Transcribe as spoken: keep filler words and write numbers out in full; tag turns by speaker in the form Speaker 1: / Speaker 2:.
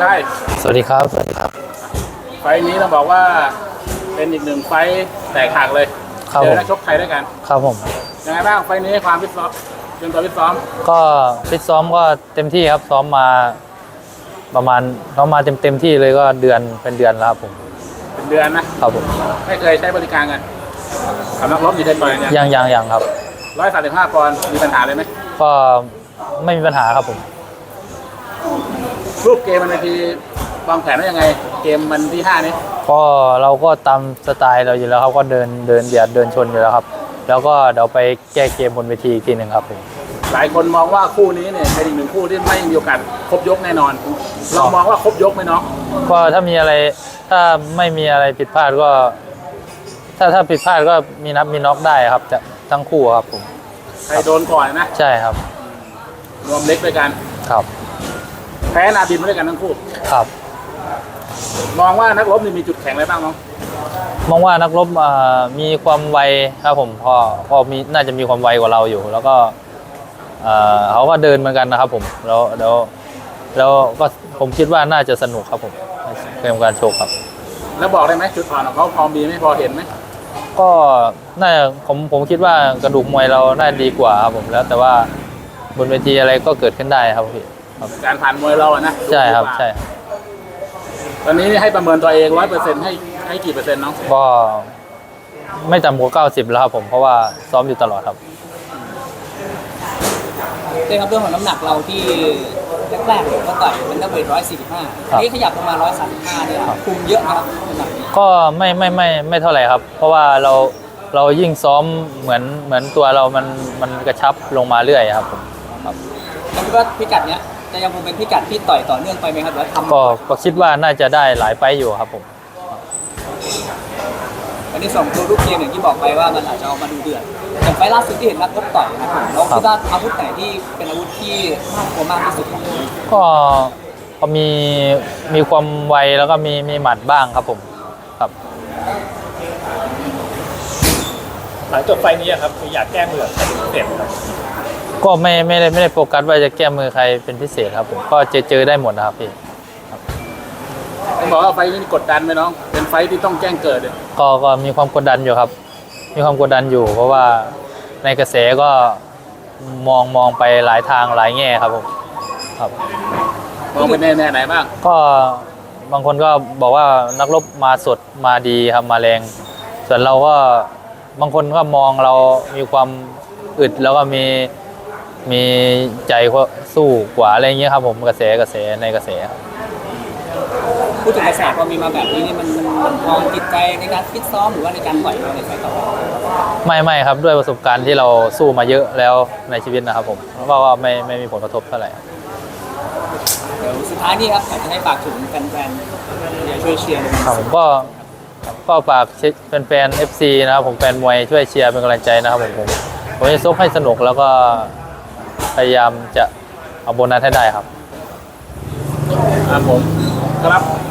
Speaker 1: ใช่
Speaker 2: สวัสดีครับสวัสดีครับ
Speaker 1: ไฟนี้ต้องบอกว่าเป็นอีกหนึ่งไฟแตกหักเลยเจอนักชกไทยด้วยกัน
Speaker 2: ครับผม
Speaker 1: ยังไงบ้างไฟนี้ความฟิตซ้อมเตรียมตัวฟิตซ้อม
Speaker 2: ก็ฟิตซ้อมก็เต็มที่ครับซ้อมมาประมาณซ้อมมาเต็มเต็มที่เลยก็เดือนเป็นเดือนแล้วครับผม
Speaker 1: เป็นเดือนนะครับ
Speaker 2: ผม
Speaker 1: ไม่เคยใช้บริการกันสำนักรบมีเคยต่อยเนี่ย
Speaker 2: ยังยังยังครับ
Speaker 1: ร้อยสามสิบห้าปอนด์มีปัญหาเลยไหม
Speaker 2: ก็ไม่มีปัญหาครับผม
Speaker 1: รูปเกมมันทีวางแผนว่ายังไงเกมมันที่ห้านี้
Speaker 2: ก็เราก็ตามสไตล์เราอยู่แล้วครับก็เดินเดินเบียดเดินชนอยู่แล้วครับแล้วก็เดี๋ยวไปแก้เกมบนเวทีอีกทีหนึ่งครับผม
Speaker 1: หลายคนมองว่าคู่นี้เนี่ยเป็นอีกหนึ่งคู่ที่ไม่มีโอกาสครบยกแน่นอนเรามองว่าครบยกไหมน้อง
Speaker 2: ก็ถ้ามีอะไรถ้าไม่มีอะไรผิดพลาดก็ถ้าถ้าผิดพลาดก็มีนับมีน็อกได้ครับจะทั้งคู่ครับผม
Speaker 1: ใครโดนก่อนนะ
Speaker 2: ใช่ครับ
Speaker 1: รวมเล็กด้วยกัน
Speaker 2: ครับ
Speaker 1: แพ้นาบินมาด้วยกันทั้งคู่
Speaker 2: ครับ
Speaker 1: มองว่านักรบนี่มีจุดแข็งอะไรบ้างน้อง
Speaker 2: มองว่านักรบมีความไวครับผมพอพอมีน่าจะมีความไวกว่าเราอยู่ แล้วก็เขาก็เดินเหมือนกันนะครับผมแล้วแล้วแล้วก็ผมคิดว่าน่าจะสนุกครับผมเกมการโชว์ครับ
Speaker 1: แล้วบอกได้ไหมจุดอ่อนของเขาพอมีไหมพอเห็นไหม
Speaker 2: ก็น่าผมผมคิดว่ากระดูกมวยเราน่าดีกว่าครับผมแล้วแต่ว่าบนเวทีอะไรก็เกิดขึ้นได้ครับพี่
Speaker 1: การผ่านมวยเราอะนะ
Speaker 2: ใช่ครับใช่
Speaker 1: ตอนนี้ให้ประเมินตัวเองร้อยเปอร์เซ็นต์ให้ให้กี่เปอร์เซ็นต์น้อง
Speaker 2: ก็ไม่ต่ำกว่าเก้าสิบแล้วครับผมเพราะว่าซ้อมอยู่ตลอดครับ
Speaker 3: เรื่องครับเรื่องของน้ำหนักเราที่แรกๆก็ต่อยเป็นนักเวทร้อยสี่สิบห้าอันนี้ขยับประมาณร้อยสามสิบห้าเนี่ยคุมเยอะนะครับน้ำหนักนี้
Speaker 2: ก็ไม่ไม่ไม่ไม่เท่าไหร่ครับเพราะว่าเราเรายิ่งซ้อมเหมือนเหมือนตัวเรามันมันกระชับลงมาเรื่อยครับผมครับ
Speaker 3: แล้วคิดว่าพิกัดเนี้ยจะยังคงเป็นพิกัดที่ต่อยต่อเนื่องไปไหมครับหรือทำ
Speaker 2: ก็ก็คิดว่าน่าจะได้หลายไฟอยู่ครับผม
Speaker 3: อันนี้สองตัวรูปเกมอย่างที่บอกไปว่ามันอาจจะออกมาดูเดือดอย่างไฟล่าสุดที่เห็นนักรบต่อยนะครับเราคิดว่าอาวุธไหนที่เป็นอาวุธที่น่ากลัวมากที่สุด
Speaker 2: ก็ก็มีมีความไวแล้วก็มีมีหมัดบ้างครับผมครับ
Speaker 1: หลังจบไฟนี้ครับอยากแก้มือใครเป็นพิเศษครับ
Speaker 2: ก็ไม่ไม่ได้ไม่ได้โฟกัสว่าจะแก้มือใครเป็นพิเศษครับผมก็เจอเจอได้หมดนะครับพี่
Speaker 1: ผมบอกว่าไฟนี้กดดันไหมน้องเป็นไฟที่ต้องแจ้งเกิดเลย
Speaker 2: ก็ก็มีความกดดันอยู่ครับมีความกดดันอยู่เพราะว่าในกระแสก็มองมองไปหลายทางหลายแง่ครับผมครับ
Speaker 1: มองไปแน่แน่ไหนบ้าง
Speaker 2: ก็บางคนก็บอกว่านักรบมาสดมาดีครับมาแรงส่วนเราก็บางคนก็มองเรามีความอึดแล้วก็มีมีใจสู้กว่าอะไรเงี้ยครับผมกระแสกระแสในกระแส
Speaker 3: พูดถึงกระแสพอมีมาแบบนี้นี่มันมันมองจิตใจในการฟิตซ้อมหรือว่าในการต่อยเราในไฟต่อ
Speaker 2: ไม่ไม่ครับด้วยประสบการณ์ที่เราสู้มาเยอะแล้วในชีวิตนะครับผมก็ว่าไม่ไม่มีผลกระทบเท่าไหร่
Speaker 3: เดี๋ยวสุดท้ายนี่ครับอยากจะให้ฝากถึงแฟนๆอย่าช่วยเชียร์
Speaker 2: ครับผมก็ก็ฝากเป็นแฟน เอฟ ซี นะครับผมแฟนมวยช่วยเชียร์เป็นกำลังใจนะครับผมผมผมจะซกให้สนุกแล้วก็พยายามจะเอาโบนัสให้ได้ครับ
Speaker 1: ครับผมครับ